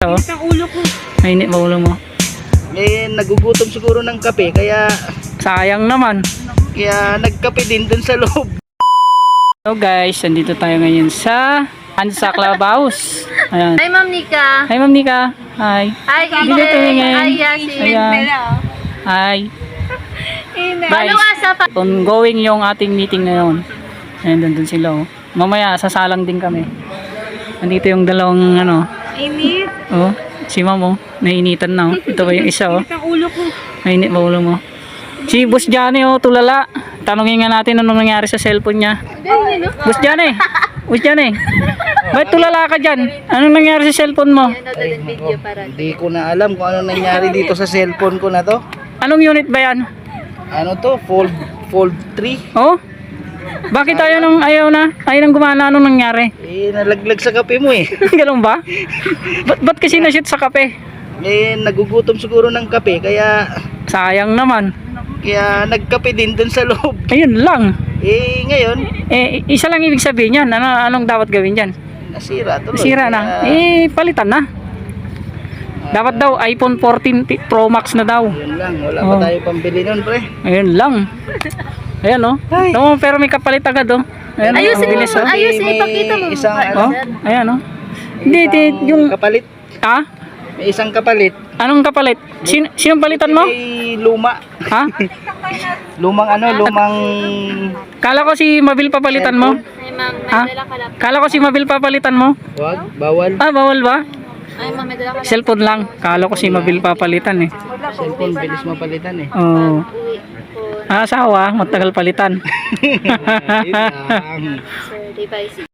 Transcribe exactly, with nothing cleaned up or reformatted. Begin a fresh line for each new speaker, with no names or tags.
Oh.
Ang ulo ko.
Mainit ba ulo mo?
Eh, nagugutom siguro ng kape, kaya
Sayang naman.
kaya nagkape din dun sa loob.
So guys, nandito tayo ngayon sa Ansa Clubhouse. Ayan.
Hi, Ma'am Nika.
Hi Ma'am Nika. Hi.
Hi,
Dito
Eden.
tumingin.
Hi, Yasin.
Ayan. Hi.
Ano
Guys,
asa pa?
ongoing yung ating meeting ngayon. Ayan, nandun sila oh. Mamaya, sasalang din kami. Nandito yung dalawang ano.
Init.
Oh, si Ma'am oh. Nainitan na oh. Ito ba yung isa oh.
Ang ulo ko.
Mainit ba ulo mo? Si Boss Johnny oh, tulala. Tanungin nga natin anong nangyari sa cellphone niya.
Ganyan, no?
Boss Johnny! Boss Johnny! Ba't tulala ka dyan? Anong nangyari sa cellphone mo?
Yan, video para.
Hindi ko na alam kung ano nangyari dito sa cellphone ko na to.
Anong unit ba yan?
Ano to? Fold Fold three.
Oh? Bakit ayaw nang ayaw na? Ayaw nang gumana, anong nangyari?
Eh, nalaglag sa kape mo eh.
Ganun ba? Ba't, ba't kasi na-shoot sa kape?
Eh, nagugutom siguro ng kape, kaya
Sayang naman.
kaya nagkape din dun sa loob.
Ayun lang.
Eh, ngayon,
Eh, isa lang ibig sabihin yan. Ano, anong dapat gawin dyan?
nasira tuloy.
Sira na.
Kaya,
Eh, palitan na. Dapat daw iPhone fourteen Pro Max na daw.
yun lang, wala
Oh.
pa tayo pambili nun, pre.
Ayun lang. Ayan oh.
Ay.
No, pero may kapalit agad oh. Ayan,
Ayusin
ang
mo.
bilis, oh.
Ayusin,
May-
ipakita mo.
isang
mukha.
ano?
Oh, ayan oh. Hindi,
Isang
di, yung
kapalit.
ah,
May isang kapalit.
anong kapalit? Sin sinong palitan mo?
May luma.
Ha?
Lumang ano, lumang
Kala ko si Mabil papalitan mo.
Ay, Ma'am, may
Ha?
dala ka lang.
Kala ko si Mabil papalitan mo.
wag, bawal.
Ah, bawal ba?
Ay, Ma'am, may dala ka lang.
Cellphone lang. Kala ko si Mabil papalitan eh.
Cellphone bilis mapalitan eh.
Oh.
Uwi ko.
Ah, asawa, matagal palitan.
Ayun lang.
Sir, device.